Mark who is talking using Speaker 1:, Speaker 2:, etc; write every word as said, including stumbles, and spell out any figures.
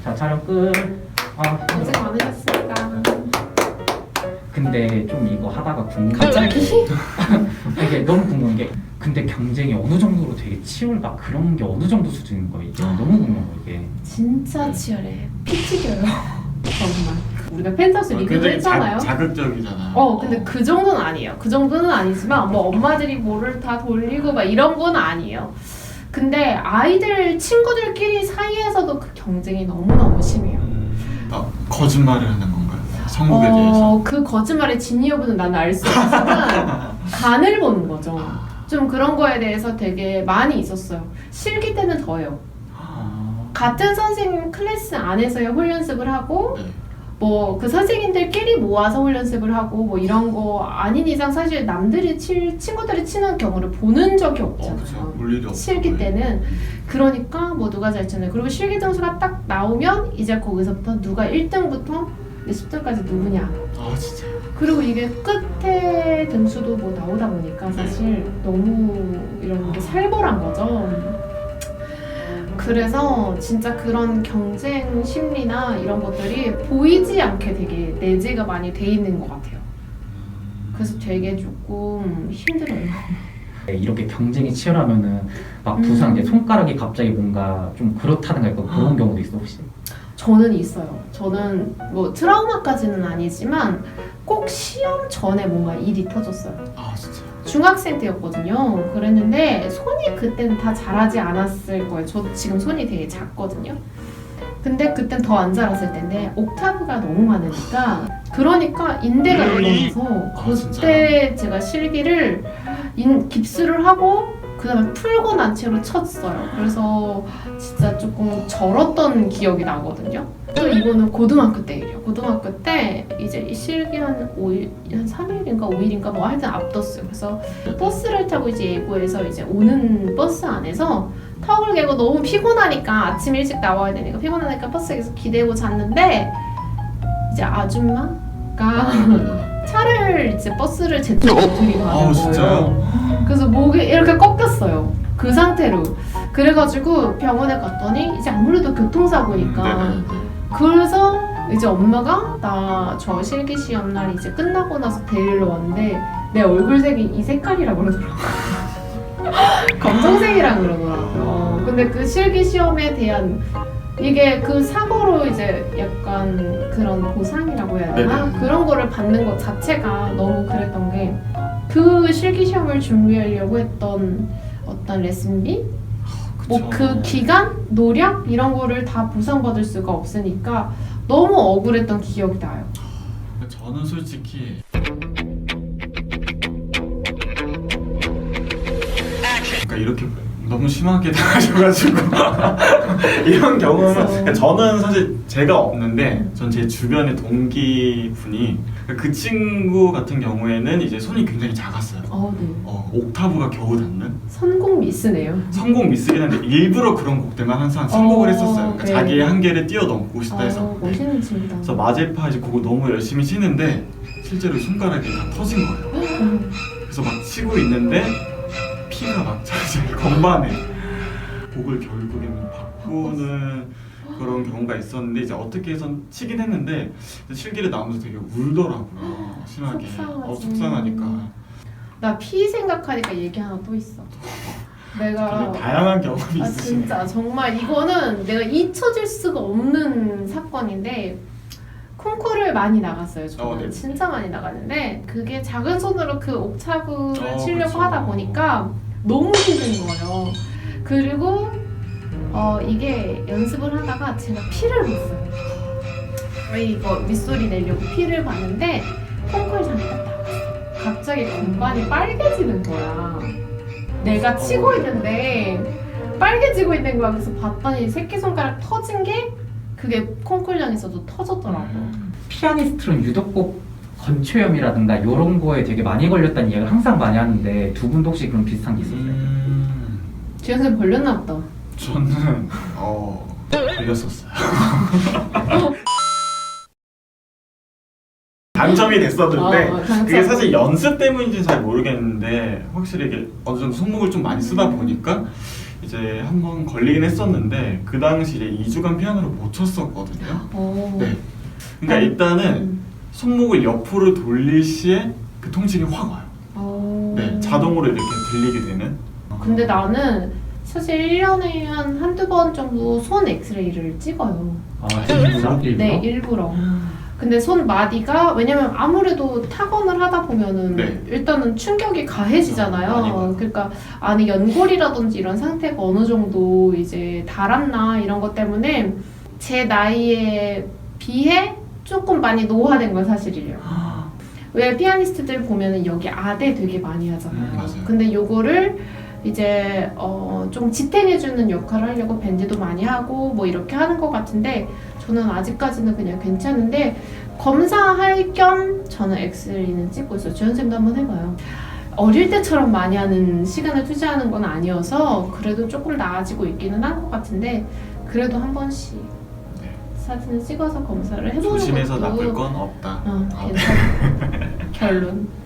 Speaker 1: 자, 촬영 끝. 아,
Speaker 2: 고생 많으셨습니다.
Speaker 1: 근데 좀 이거 하다가 궁금한 게
Speaker 2: 갑자기?
Speaker 1: 이게 너무 궁금한 게 근데 경쟁이 어느 정도로 되게 치열가 그런 게 어느 정도 수준인 거예요? 이게 너무 궁금한 거 이게.
Speaker 2: 진짜 치열해. 피 튀겨요. 정말. 우리가 펜타스 리뷰도
Speaker 3: 굉장히
Speaker 2: 했잖아요.
Speaker 3: 자, 자극적이잖아요.
Speaker 2: 어, 근데 그 정도는 아니에요. 그 정도는 아니지만 뭐 엄마들이 뭐를 다 돌리고 막 이런 건 아니에요. 근데 아이들 친구들끼리 사이에서도 그 경쟁이 너무너무 심해요.
Speaker 3: 음, 막 거짓말을 하는 건가요? 성국에 대해서?
Speaker 2: 어, 그 거짓말의 진위 여부는 난 알 수 없지만 간을 보는 거죠. 좀 그런 거에 대해서 되게 많이 있었어요. 실기 때는 더해요.
Speaker 1: 아,
Speaker 2: 같은 선생님 클래스 안에서의 홀연습을 하고
Speaker 3: 네.
Speaker 2: 뭐 그 선생님들끼리 모아서 홀연습을 하고 뭐 이런 거 아닌 이상 사실 남들이 칠 친구들이 치는 경우를 보는 적이
Speaker 3: 어, 그쵸.
Speaker 2: 없잖아요.
Speaker 3: 볼 일이 없고.
Speaker 2: 실기 때는. 그러니까 뭐 누가 잘 치는, 그리고 실기 점수가 딱 나오면 이제 거기서부터 누가 일 등부터 십 등까지 누구냐.
Speaker 3: 아 진짜요?
Speaker 2: 그리고 이게 끝에 등수도 뭐 나오다 보니까 사실 너무 이런 게 살벌한 거죠. 그래서 진짜 그런 경쟁 심리나 이런 것들이 보이지 않게 되게 내재가 많이 돼 있는 것 같아요. 그래서 되게 조금 힘들어요.
Speaker 1: 네, 이렇게 경쟁이 치열하면은 막 부상
Speaker 2: 음.
Speaker 1: 이제 손가락이 갑자기 뭔가 좀 그렇다는 거 있고 그런 경우도 있어 혹시?
Speaker 2: 저는 있어요. 저는 뭐 트라우마까지는 아니지만 꼭 시험 전에 뭔가 일이 터졌어요.
Speaker 3: 아 진짜요?
Speaker 2: 중학생 때였거든요. 그랬는데 손이 그때는 다 자라지 않았을 거예요. 저 지금 손이 되게 작거든요. 근데 그땐 더 안 자랐을 텐데 옥타브가 너무 많으니까 그러니까 인대가 늘어나서
Speaker 3: 아,
Speaker 2: 그때 제가 실기를 인, 깁스를 하고 그 다음에 풀고 난 채로 쳤어요. 그래서 진짜 조금 절었던 기억이 나거든요. 또 이거는 고등학교 때 일이에요. 고등학교 때 이제 이 실기 한 오 일, 한 삼 일인가 오 일인가 뭐 하여튼 앞뒀어요. 그래서 버스를 타고 이제 예고해서 이제 오는 버스 안에서 턱을 개고 너무 피곤하니까 아침 일찍 나와야 되니까 피곤하니까 버스에서 기대고 잤는데 이제 아줌마가 차를 이제 버스를 제 쪽으로 들이받은
Speaker 3: 아
Speaker 2: 거예요.
Speaker 3: 진짜요?
Speaker 2: 그래서 목이 이렇게 꺾였어요. 그 상태로. 그래가지고 병원에 갔더니 이제 아무래도 교통사고니까.
Speaker 3: 음,
Speaker 2: 그래서 이제 엄마가 나 저 실기 시험 날 이제 끝나고 나서 데리러 왔는데 내 얼굴색이 이 색깔이라 그러더라고. 검정색이라 그러더라고요. 근데 그 실기 시험에 대한 이게 그 사고로 이제 약간 그런 보상이라고 해야 되나?
Speaker 3: 네네.
Speaker 2: 그런 거를 받는 것 자체가 너무 그랬던 게 그 실기 시험을 준비하려고 했던 어떤 레슨비? 뭐 그 기간, 노력 이런 거를 다 보상받을 수가 없으니까 너무 억울했던 기억이 나요.
Speaker 3: 저는 솔직히 그러니까 이렇게 너무 심하게 당하셔가지고 이런 경우는 그러니까 저는 사실 제가 없는데 전 제 주변의 동기분이 그 친구 같은 경우에는 이제 손이 굉장히 작았어요.
Speaker 2: 어, 네.
Speaker 3: 어, 옥타브가 겨우 닿는
Speaker 2: 선곡 미스네요.
Speaker 3: 성공 미스긴 한데 일부러 그런 곡들만 항상 선곡을
Speaker 2: 어,
Speaker 3: 했었어요. 그러니까
Speaker 2: 네.
Speaker 3: 자기의 한계를 뛰어넘고 싶다
Speaker 2: 어,
Speaker 3: 해서.
Speaker 2: 멋있는 친구다.
Speaker 3: 그래서 마제파 이제 그거 너무 열심히 치는데 실제로 손가락이 다 터진 거예요.
Speaker 2: 음.
Speaker 3: 그래서 막 치고 있는데 피가 막 차지 건반에 곡을 결국에는 바꾸는 그런 경우가 있었는데 이제 어떻게 해선 치긴 했는데 실기를 나오면서 되게 울더라고요. 심하게.
Speaker 2: 속상하지.
Speaker 3: 어, 속상하니까.
Speaker 2: 나 피 생각하니까 얘기 하나 또 있어. 내가
Speaker 3: 되게 다양한 경험이
Speaker 2: 아
Speaker 3: 있으시네요.
Speaker 2: 진짜 정말 이거는 내가 잊혀질 수가 없는 사건인데 콩쿠르를 많이 나갔어요. 저는
Speaker 3: 어, 네.
Speaker 2: 진짜 많이 나갔는데 그게 작은 손으로 그 옥타브를
Speaker 3: 어,
Speaker 2: 치려고
Speaker 3: 그쵸.
Speaker 2: 하다 보니까 너무 힘든 거예요. 그리고 어 이게 연습을 하다가 제가 피를 봤어요. 왜 이거 윗소리 내려고 피를 봤는데 콩쿠르장이 딱 나갔어. 갑자기 건반이 빨개지는 거야. 내가 치고 있는데 빨개지고 있는 거야. 그래서 봤더니 새끼손가락 터진 게 그게 콩쿨장에서도 터졌더라고.
Speaker 1: 피아니스트는 유독 꼭 건초염이라든가 이런 거에 되게 많이 걸렸다는 이야기를 항상 많이 하는데 두 분도 혹시 그런 비슷한 게 있었어요?
Speaker 3: 음,
Speaker 2: 주연생 걸렸나 보다.
Speaker 3: 저는 어 걸렸었어요. 당첨이 됐었는데
Speaker 2: 어, 당첨.
Speaker 3: 그게 사실 연습 때문인지 잘 모르겠는데 확실히 이게 어느 정도 손목을 좀 많이 쓰다 보니까 이제 한번 걸리긴 했었는데 그 당시 이제 이 주간 피아노를 못 쳤었거든요.
Speaker 2: 어.
Speaker 3: 네. 그러니까 일단은
Speaker 2: 음.
Speaker 3: 손목을 옆으로 돌릴 시에 그 통증이 확 와요.
Speaker 2: 어.
Speaker 3: 네, 자동으로 이렇게 들리게 되는.
Speaker 2: 근데 나는 사실 일 년에 한 한두 번 정도 손 엑스레이를 찍어요.
Speaker 1: 아, 진짜? 일부러?
Speaker 2: 네, 일부러. 근데 손 마디가 왜냐면 아무래도 타건을 하다 보면은
Speaker 3: 네.
Speaker 2: 일단은 충격이
Speaker 3: 많이
Speaker 2: 가해지잖아요.
Speaker 3: 와요.
Speaker 2: 그러니까 안에 연골이라든지 이런 상태가 어느 정도 이제 닳았나 이런 것 때문에 제 나이에 비해 조금 많이 노화된 건 사실이에요. 왜 피아니스트들 보면은 여기 아대 되게 많이 하잖아요.
Speaker 3: 음, 맞아요.
Speaker 2: 근데 요거를 이제 어, 좀 지탱해주는 역할을 하려고 밴드도 많이 하고 뭐 이렇게 하는 것 같은데 저는 아직까지는 그냥 괜찮은데 검사할 겸 저는 엑스레이는 찍고 있어요. 주연쌤도 한번 해봐요. 어릴 때처럼 많이 하는 시간을 투자하는 건 아니어서 그래도 조금 나아지고 있기는 한 것 같은데 그래도 한 번씩
Speaker 3: 네.
Speaker 2: 사진을 찍어서 검사를 해보는
Speaker 3: 조심해서
Speaker 2: 것도
Speaker 3: 나쁠 건 없다.
Speaker 2: 어,
Speaker 3: 아,
Speaker 2: 괜찮아. 결론.